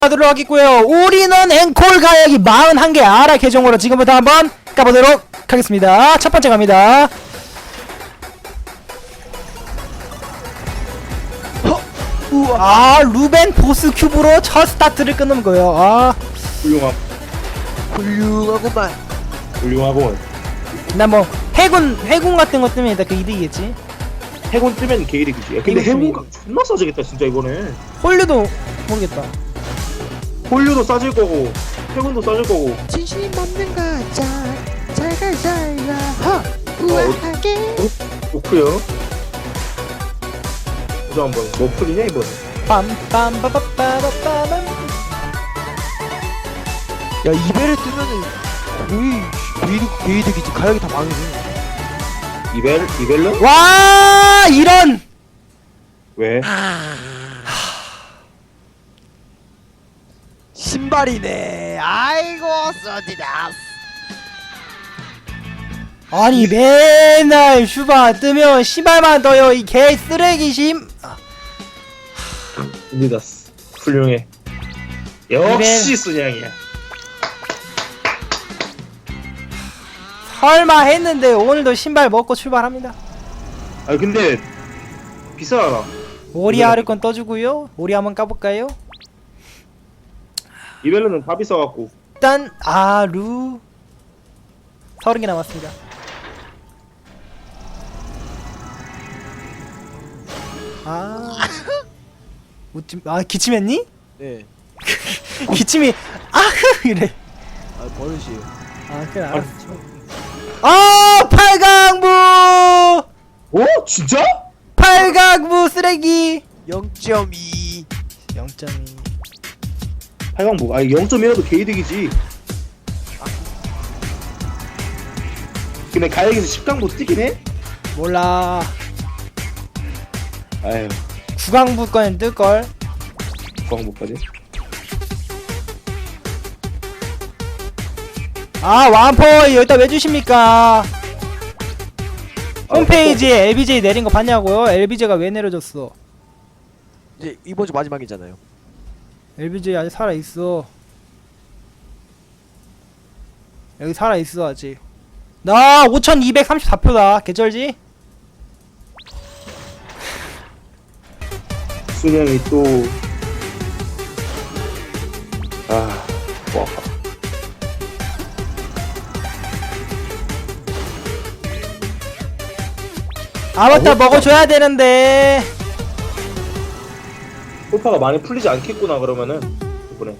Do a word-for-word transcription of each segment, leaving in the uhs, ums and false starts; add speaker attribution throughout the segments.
Speaker 1: 하도록 하겠고요. 우리는 앵콜 가야기 사십일 개 아라 계정으로 지금부터 한번 까보도록 하겠습니다. 첫 번째 갑니다. 아, 루벤 보스 큐브로 첫 스타트를 끊는 거예요. 아,
Speaker 2: 훌륭함.
Speaker 3: 훌륭하구만.
Speaker 2: 훌륭하고.
Speaker 1: 나 뭐 해군 해군 같은 것 뜨면 그 이득이겠지.
Speaker 2: 해군 뜨면 게이득이지. 야, 근데
Speaker 1: 이거
Speaker 2: 해군가 존나 싸지겠다 진짜 이번에.
Speaker 1: 홀류도 모르겠다.
Speaker 2: 폴류도 싸질 거고 해군도 싸질 거고.
Speaker 3: 진심 없는 가자. 잘가 잘가. 하. 우아하게.
Speaker 2: 좋고요. 보자 한번. 뭐 풀이냐 이번에.
Speaker 1: 빰빰빠빠빠빠빰.
Speaker 3: 야 이베를 뜨면은 거의 게이득 게이득이지. 가격이 다 망이지.
Speaker 2: 이벨 이벨은?
Speaker 1: 와, 이런.
Speaker 2: 왜?
Speaker 3: 신발이네. 아이고 써지다.
Speaker 1: 아니 맨날 슈바 뜨면 신발만 떠요. 이 개 쓰레기심.
Speaker 2: 리다스. 훌륭해. 역시 순양이야.
Speaker 1: 설마 했는데 오늘도 신발 먹고 출발합니다.
Speaker 2: 아 근데 비싸잖아.
Speaker 1: 오리 아르콘 떠주고요. 오리 한번 까볼까요?
Speaker 2: 이벨은 다 비싸갖고.
Speaker 1: 일단 아루 서른 개 남았습니다. 아, 웃지, 아 기침했니?
Speaker 3: 네.
Speaker 1: 기침이 아흐 이래.
Speaker 3: 아 버릇이에요.
Speaker 1: 아 그래 알았어. 아, 팔강부
Speaker 2: 오 진짜?
Speaker 1: 팔강부 쓰레기.
Speaker 3: 영 점 이.
Speaker 1: 영 점 이.
Speaker 2: 팔강부. 아 영 점 일라도 게이득이지. 근데 가역에서 십 강부 뜨긴 해?
Speaker 1: 몰라.
Speaker 2: 아유
Speaker 1: 구강부 거는 뜰걸.
Speaker 2: 구강부까지.
Speaker 1: 아, 완포 여기다 왜 주십니까? 홈페이지에 엘비제이 내린 거 봤냐고요? 엘비제이가 왜 내려졌어?
Speaker 3: 이제 이번 주 마지막이잖아요.
Speaker 1: 엘비제이 아직 살아있어. 여기 살아있어 아직. 나 오천이백삼십사 표다 개쩔지?
Speaker 2: 순양이 또 아, 와.
Speaker 1: 아바타 먹어줘야 되는데.
Speaker 2: 홀파가 많이 풀리지 않겠구나 그러면은 이번에.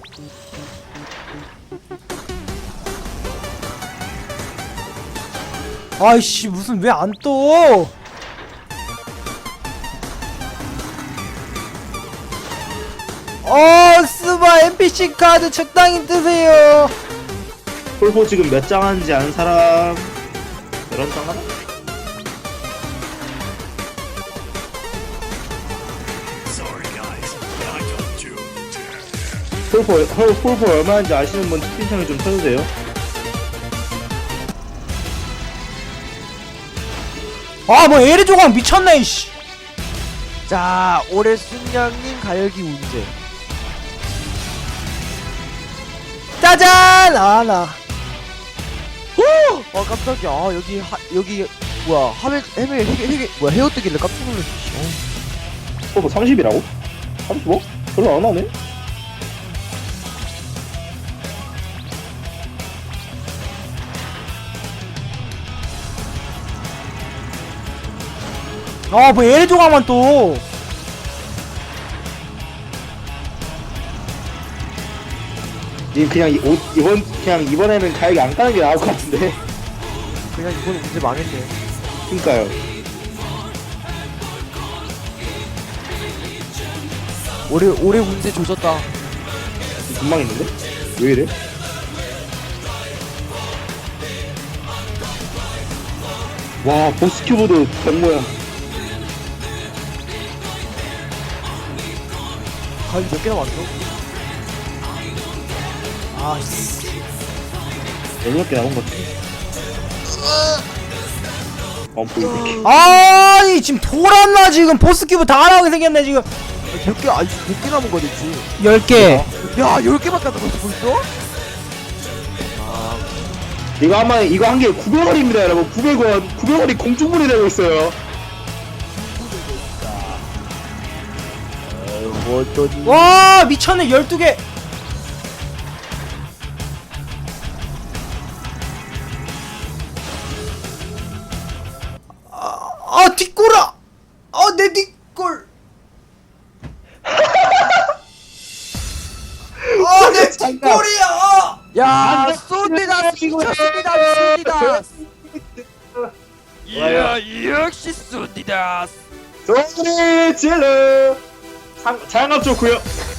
Speaker 1: 아이씨 무슨 왜 안 떠? 어, 스바 엔피씨 카드 적당히 뜨세요.
Speaker 2: 홀포 지금 몇 장 하는지 아는 사람 열한 장 하나? 홀포 홀, 홀포 얼마 하는지 아시는 분 채팅창에 좀 쳐주세요.
Speaker 1: 아, 뭐 에리 조각 미쳤네 이씨.
Speaker 3: 자 올해 순양님 가격이 문제.
Speaker 1: 짜잔! 아, 나.
Speaker 3: 아 깜짝이야. 아, 여기 하 여기 뭐야 하멜 헤멜 헤게 헤게 뭐야 헤어 뜨길래 깜짝 놀랐어. 어.
Speaker 2: 홀포 삼십이라고? 삼십오? 별로 안 하네?
Speaker 1: 아, 뭐 에리 조각만 또.
Speaker 2: 님 그냥 이, 오, 이번 그냥 이번에는 가역이 안 까는 게 나을 것 같은데.
Speaker 3: 그냥 이번 문제 망했네.
Speaker 2: 그니까요.
Speaker 3: 올해 올해 문제 조졌다.
Speaker 2: 금방 있는데? 왜 이래? 와 보스 큐브도 된 거야.
Speaker 3: 가격이 몇 개나 왔어?
Speaker 1: 아, 씨.
Speaker 2: 여덟 개 남은 것 같아. 어 보이네.
Speaker 1: 아니 지금 돌았나 지금 보스 큐브 다 나오게 생겼네 지금.
Speaker 3: 몇 개, 아니 몇 개 남은 거겠지.
Speaker 1: 열 개.
Speaker 3: 몇 야, 열 개밖에 안 남았어, 벌써?
Speaker 2: 이거 한마 이거 한 개 구백 원입니다 여러분. 구백 원 구백 원이 공중분이 되고 있어요.
Speaker 3: 뭐, 어쩌니.
Speaker 1: 와 미쳤네 열두 개. 아, 아 뒷골아. 아내 뒷골. 아내 뒷골이야.
Speaker 3: 야, 쏜디다, 미쳤습니다, 쏜디다.
Speaker 4: 이야 역시 쏜디다.
Speaker 2: 소리 질러. 장, 장갑 좋고요.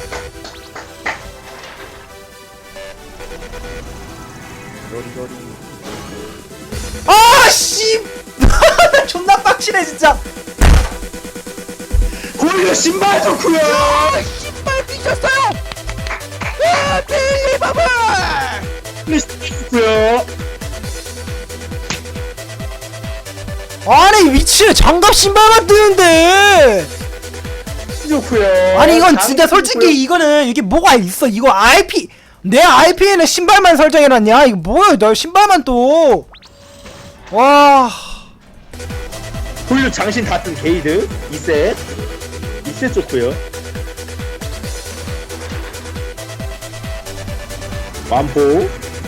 Speaker 1: 아씨. 존나 빡치네 진짜.
Speaker 2: 고리로 신발 좋고요.
Speaker 3: 신발 미쳤어요. 와, 빌리버블.
Speaker 2: 좋고요.
Speaker 1: 아니 미친 장갑 신발만 뜨는데.
Speaker 2: 좋고요.
Speaker 1: 아니 이건 진짜 솔직히 이거는 이게 뭐가 있어. 이거 아이피 내 아이피에는 신발만 설정해놨냐. 이거 뭐야 너 신발만 또. 와
Speaker 2: 고리로 장신 다 뜬 게이드 이 셋 이 셋 좋고요. 완포.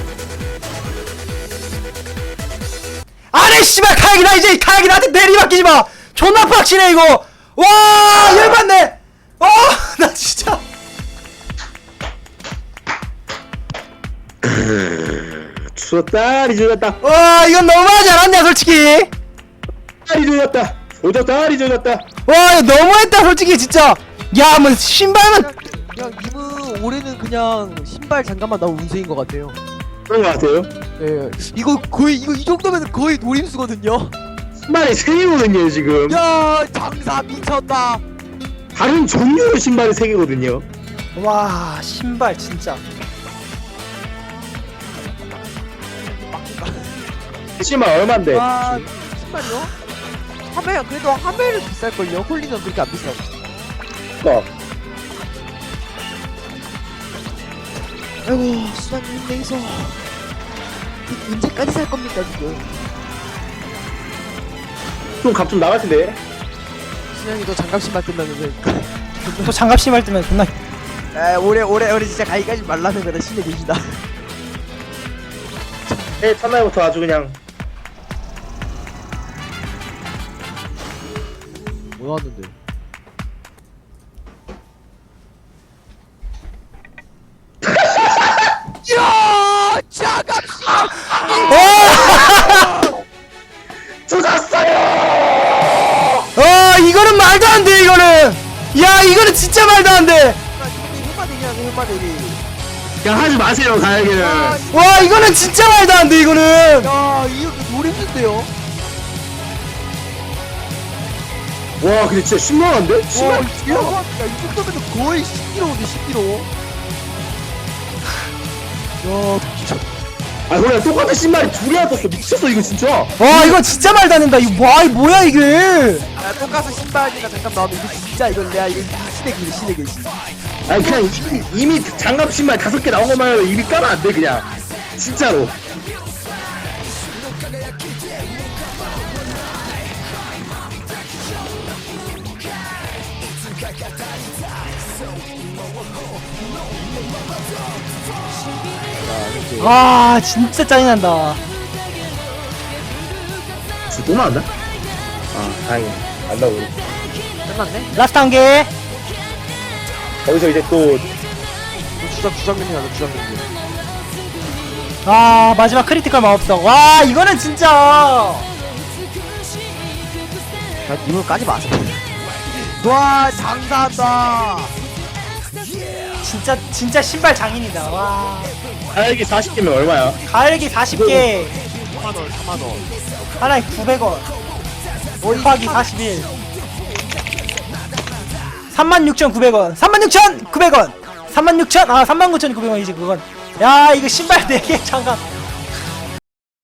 Speaker 1: 아니 씨발 카약이 나 이제 카약이 나한테 내리맡기지마. 존나 빡치네 이거. 와 열받네. 어나 진짜.
Speaker 2: 추웠다 리조졌다.
Speaker 1: 와 이건 너무하지 않았냐 솔직히.
Speaker 2: 리조졌다. 조졌다 리조졌다.
Speaker 1: 와 이거 너무했다 솔직히 진짜. 야 뭐 신발만.
Speaker 3: 그냥 님은 올해는 그냥 신발 장갑만 나온 운세인 것 같아요.
Speaker 2: 그런 것 같아요.
Speaker 3: 예, 이거 거의 이거 이 정도면 거의 노림수거든요.
Speaker 2: 신발이 세 개거든요 지금.
Speaker 3: 야, 장사 미쳤다.
Speaker 2: 다른 종류의 신발이 세 개거든요.
Speaker 1: 와 신발 진짜.
Speaker 2: 신발 얼만데?
Speaker 3: 와, 신발이요? 하메 그래도 하메는 비쌀걸요. 홀리는 그렇게 안 비싸.
Speaker 2: 어.
Speaker 3: 아이고, 수장님 힘내서 언제까지 살 겁니까 지금?
Speaker 2: 좀 값 좀 나갈 텐데.
Speaker 3: 수장이 너 장갑 신발 끝나면서.
Speaker 1: 또 장갑 신발 뜨면 존나.
Speaker 3: 에, 올해 올해 올해 진짜 가기까지 말라는 거다. 신의 계시다.
Speaker 2: 해 첫날부터 아주 그냥
Speaker 3: 뭐 나왔는데? 야, 장갑 신발.
Speaker 2: 쏟았어요.
Speaker 1: 어 이거는 말도 안 돼 이거는. 야 이거는 진짜 말도 안 돼.
Speaker 3: 흑마대기 하네, 흑마대기.
Speaker 2: 그냥 하지 마세요 가야기는.
Speaker 3: 야,
Speaker 1: 와 이거는 진짜 말도 안 돼 이거는.
Speaker 3: 야, 이거 노림수인데요?
Speaker 2: 와 근데 진짜 신기한데?
Speaker 3: 와,
Speaker 2: 신발
Speaker 3: 야, 이 정도면 거의 십 킬로그램인데 십 킬로그램. 야, 미쳤다.
Speaker 2: 아 그냥 똑같은 신발이 둘이나 떴어. 미쳤어 이거 진짜.
Speaker 1: 와 이거 진짜 말도 안 된다. 이거 와 이거 뭐야 이게.
Speaker 3: 야, 똑같은 신발이니까 잠깐 나오면 이거 진짜 이건 내가 이거 신에게 신에게 신.
Speaker 2: 아니 그냥 이미, 이미 장갑 신발 다섯 개 나온 것만 해도 이미 까면 안 돼 그냥. 진짜로.
Speaker 1: 와 진짜 짜증난다.
Speaker 2: 진짜 또 나왔나? 아 다행이네. 안 나오고.
Speaker 3: 끝났네?
Speaker 1: 라스트 한 개.
Speaker 2: 거기서 이제 또
Speaker 3: 주장 주장면이 나다 주장면이.
Speaker 1: 아 마지막 크리티컬 마법석. 와 이거는 진짜.
Speaker 3: 야, 님은 까지 마세요. 와, 장사한다.
Speaker 1: 진짜 진짜 신발 장인이다. 와
Speaker 2: 가야기 사십 개면 얼마야?
Speaker 1: 가을기 사십 개.
Speaker 3: 삼만 원, 삼만 원.
Speaker 1: 하나에 구백 원. 곱하기 사십일. 삼만 육천구백 원. 삼만 육천구백 원. 삼만 육천. 아 삼만 구천구백 원이지 그건. 야 이거 신발 네 개 장갑.